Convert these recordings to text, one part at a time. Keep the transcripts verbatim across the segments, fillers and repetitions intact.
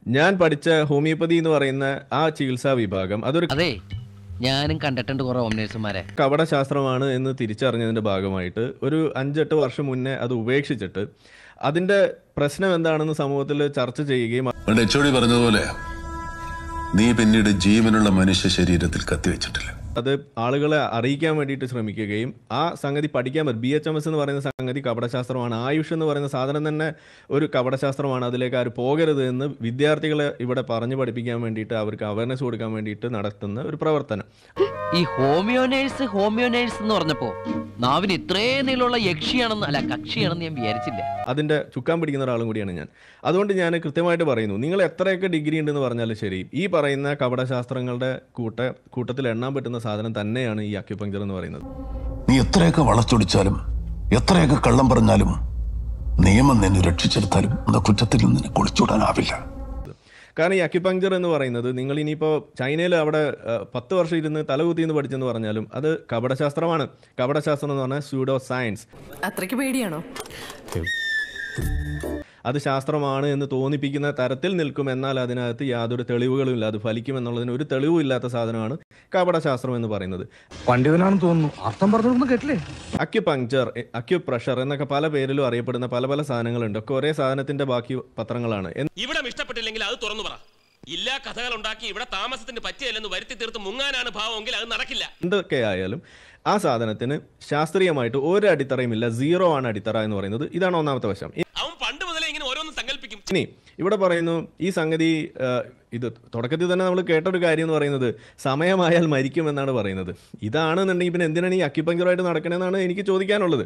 ഞാൻ പഠിച്ച ഹോമിയോപ്പതി എന്ന് പറയുന്ന ആ ചികിത്സാ വിഭാഗം അതൊരു അതെ ഞാനും കണ്ടിട്ടുണ്ട് കുറെ ഹോംനേഴ്സുമാരെ കപടശാസ്ത്രമാണ് എന്ന് തിരിച്ചറിഞ്ഞതിന്റെ ഭാഗമായിട്ട് ഒരു അഞ്ചെട്ട് വർഷം മുന്നേ അത് ഉപേക്ഷിച്ചിട്ട് അതിന്റെ പ്രശ്നം എന്താണെന്ന് സമൂഹത്തിൽ ചർച്ച ചെയ്യുകയും പറഞ്ഞതുപോലെ നീ പിന്നീട് ജീവനുള്ള മനുഷ്യ ശരീരത്തിൽ കത്തിവെച്ചിട്ടില്ല. അത് ആളുകളെ അറിയിക്കാൻ വേണ്ടിയിട്ട് ശ്രമിക്കുകയും ആ സംഗതി പഠിക്കാൻ പറ്റും. ബി എച്ച് എം എസ് എന്ന് പറയുന്ന സംഗതി കപടശാസ്ത്രമാണ്. ആയുഷ് എന്ന് പറയുന്ന സാധനം തന്നെ ഒരു കപടശാസ്ത്രമാണ്. അതിലേക്ക് ആര് പോകരുത് എന്ന് വിദ്യാർത്ഥികളെ ഇവിടെ പറഞ്ഞു പഠിപ്പിക്കാൻ വേണ്ടിയിട്ട് അവർക്ക് അവയർനെസ് കൊടുക്കാൻ വേണ്ടിയിട്ട് നടത്തുന്ന ഒരു പ്രവർത്തനം. ഈ ഹോമിയോ നേഴ്സ് ഹോമിയോ നേഴ്സ് എന്ന് പറഞ്ഞപ്പോ നാവിന് ഇത്രയും നീളമുള്ള യക്ഷിയാണെന്ന് അല്ല കക്ഷിയാണെന്ന് ഞാൻ വിചാരിച്ചില്ല. അതിന്റെ ചുക്കാൻ പിടിക്കുന്ന ഒരാളും കൂടിയാണ് ഞാൻ. അതുകൊണ്ട് ഞാൻ കൃത്യമായിട്ട് പറയുന്നു, നിങ്ങൾ എത്രയൊക്കെ ഡിഗ്രി ഉണ്ടെന്ന് പറഞ്ഞാലും ശരി, ഈ പറയുന്ന കപടശാസ്ത്രങ്ങളുടെ കൂട്ട കൂട്ടത്തിൽ എണ്ണാൻ പറ്റുന്ന സാധനം തന്നെയാണ് ഈ അക്യുപങ്ചർ എന്ന് പറയുന്നത്. നീ എത്രയൊക്കെ വളച്ചൊടിച്ചാലും എത്രയൊക്കെ കള്ളം പറഞ്ഞാലും നിയമം നിന്നെ രക്ഷിച്ചെടുത്താലും എന്ന കുറ്റത്തിൽ നിന്നെ കുളിച്ചൂടാനാവില്ല. കാരണം ഈ അക്യുപങ്ചർ എന്ന് പറയുന്നത് നിങ്ങൾ ഇനിയിപ്പോൾ ചൈനയിൽ അവിടെ പത്ത് വർഷം ഇരുന്ന് തലകുത്തി എന്ന് പഠിച്ചെന്ന് പറഞ്ഞാലും അത് കപടശാസ്ത്രമാണ്. കപടശാസ്ത്രം എന്ന് പറഞ്ഞാൽ സ്യൂഡോ സയൻസ്. അത്രയ്ക്ക് പേടിയാണോ? അത് ശാസ്ത്രമാണ് എന്ന് തോന്നിപ്പിക്കുന്ന തരത്തിൽ നിൽക്കും, എന്നാൽ അതിനകത്ത് യാതൊരു തെളിവുകളും ഇല്ല. അത് ഫലിക്കുമെന്നുള്ളതിന് ഒരു തെളിവും ഇല്ലാത്ത സാധനമാണ് കപടശാസ്ത്രം എന്ന് പറയുന്നത്. പണ്ഡിതനാണെന്ന് തോന്നുന്നു, അർത്ഥം പറഞ്ഞൊന്നും കേട്ടില്ലേ? അക്യുപങ്ചർ, അക്യുപ്രഷർ എന്നൊക്കെ പല പേരിലും അറിയപ്പെടുന്ന പല പല സാധനങ്ങളുണ്ട്. ഒക്കെ ഒരേ സാധനത്തിന്റെ ബാക്കി പത്രങ്ങളാണ്. ഇവിടെ ഇഷ്ടപ്പെട്ടില്ലെങ്കിൽ അത് തുറന്നു പറ. ഇല്ലാ കഥകൾ ഉണ്ടാക്കി ഇവിടെ താമസത്തിന് പറ്റിയല്ലെന്ന് വരുത്തി തീർത്ത് മുങ്ങാനാണ് ഭാവമെങ്കിൽ അത് നടക്കില്ല. എന്തൊക്കെ ആയാലും ആ സാധനത്തിന് ശാസ്ത്രീയമായിട്ട് ഒരു അടിത്തറയും ഇല്ല. സീറോ ആണ് അടിത്തറ എന്ന് പറയുന്നത്. ഇതാണ് ഒന്നാമത്തെ വശം. അവൻ പണ്ട് മുതലേ ഇങ്ങനെ ഓരോന്നും സങ്കല്പിക്കും. ഇനി ഇവിടെ പറയുന്നു ഈ സംഗതി, ഇത് തുടക്കത്തിൽ തന്നെ നമ്മൾ കേട്ടൊരു കാര്യം എന്ന് പറയുന്നത് സമയമായാൽ മരിക്കും എന്നാണ് പറയുന്നത്. ഇതാണെന്നുണ്ടെങ്കിൽ പിന്നെ എന്തിനാണ് ഈ അക്യുപങ്ചറായിട്ട് നടക്കണമെന്നാണ് എനിക്ക് ചോദിക്കാനുള്ളത്.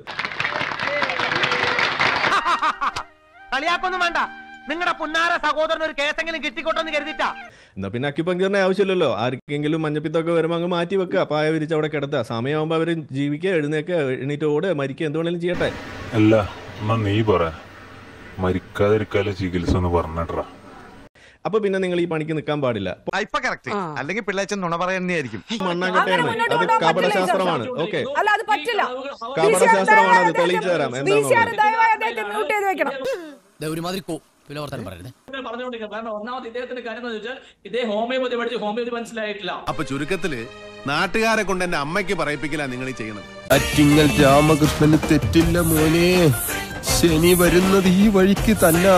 കളിയാക്കൊന്നും വേണ്ട, നിങ്ങളുടെ പുന്നാര സഹോദരൻ ഒരു കേസെങ്കിലും കിട്ടിക്കോട്ടെന്ന് കരുതിട്ടാ. എന്നാ പിന്നെ അക്യുപങ്ചറിന്റെ ആവശ്യമില്ലല്ലോ. ആർക്കെങ്കിലും മഞ്ഞപ്പിത്തൊക്കെ വരുമ്പോൾ അങ്ങ് മാറ്റി വെക്കുക, പായ വിരിച്ച് അവിടെ കിടത്തുക. സമയമാകുമ്പോൾ അവർ ജീവിക്കുക, എഴുന്നേക്കുക, എണീറ്റ് ഓടുക, മരിക്കുക, എന്തുവേണേലും ചെയ്യട്ടെ. അല്ല നീ പറ, മരിക്കാതിരിക്കാലെ ചികിത്സ എന്ന് പറഞ്ഞിട്ടാ. അപ്പൊ പിന്നെ നിങ്ങൾ ഈ പണിക്ക് നിൽക്കാൻ പാടില്ല. അല്ലെങ്കിൽ പിള്ളേച്ചൻ നുണ പറയുന്നതായിരിക്കും. മണ്ണാങ്കട്ടയാണ്, അത് കപടശാസ്ത്രമാണ്. ഓക്കെ, കപടശാസ്ത്രമാണ്, അത് തെളിയിച്ചു തരാം എന്താണെന്നുള്ളത്. അപ്പൊ ചുരുക്കത്തില് നാട്ടുകാരെ കൊണ്ട് എന്റെ അമ്മയ്ക്ക് പറയിപ്പിക്കില്ല നിങ്ങൾ ഈ ചെയ്യണം. അറ്റിങ്ങൽ രാമകൃഷ്ണന് തെറ്റില്ല മോനെ, ശനി വരുന്നത് ഈ വഴിക്ക് തന്നെ.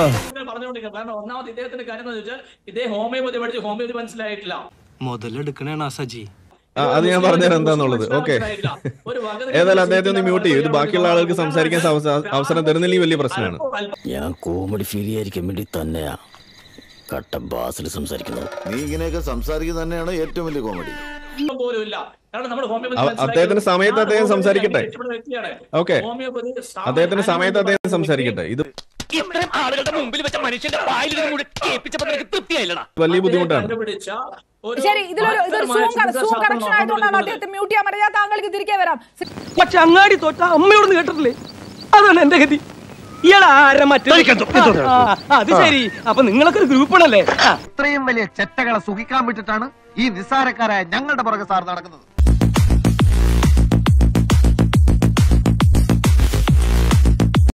മുതലെടുക്കണേണ സജി. അത് ഞാൻ പറഞ്ഞുതരാം എന്താന്നുള്ളത്. ഓക്കെ, ഏതായാലും അദ്ദേഹത്തെ ഒന്ന് മ്യൂട്ട് ചെയ്യും. ഇത് ബാക്കിയുള്ള ആളുകൾക്ക് സംസാരിക്കാൻ അവസരം തരുന്നില്ലെങ്കിൽ വലിയ പ്രശ്നമാണ്. ഞാൻ കോമഡി ഫീൽ ചെയ്യാതിരിക്കാൻ വേണ്ടി തന്നെയാ കട്ട ബാസിൽ സംസാരിക്കുന്നത്. നീ ഇങ്ങനെയൊക്കെ സംസാരിക്കുന്നത് തന്നെയാണ് ഏറ്റവും വലിയ കോമഡി. അദ്ദേഹത്തിന്റെ സമയത്ത് അദ്ദേഹം സംസാരിക്കട്ടെ. ഓക്കെ, അദ്ദേഹത്തിന്റെ സമയത്ത് അദ്ദേഹം സംസാരിക്കട്ടെ. ഇത് ആളുകളുടെ മുമ്പിൽ വെച്ച മനുഷ്യന്റെ വായിൽ തൃപ്തിയായില്ലടാ, വലിയ ബുദ്ധിമുട്ടാണ്. ശരി, ഇതിലൊരു ഇതൊരു സൂം കണക്ഷൻ ആയതുകൊണ്ടാണ് അദ്ദേഹത്തെ മ്യൂട്ട് ചെയ്യാൻ പറ്റില്ല. താങ്കൾക്ക് തിരികെ വരാം. പക്ഷെ അങ്ങാടി തോറ്റ അമ്മയോടൊന്ന് കേട്ടിട്ടില്ലേ? അതാണ് എന്റെ ഗതി. ഇയാളാരെ മറ്റേ അത് ശരി. അപ്പൊ നിങ്ങളൊക്കെ ഒരു ഗ്രൂപ്പാണല്ലേ? ഇത്രയും വലിയ ചെറ്റകളെ സുഖിക്കാൻ വിട്ടിട്ടാണ് ഈ നിസ്സാരക്കാരായ ഞങ്ങളുടെ പുറകെ സാർ നടക്കുന്നത്.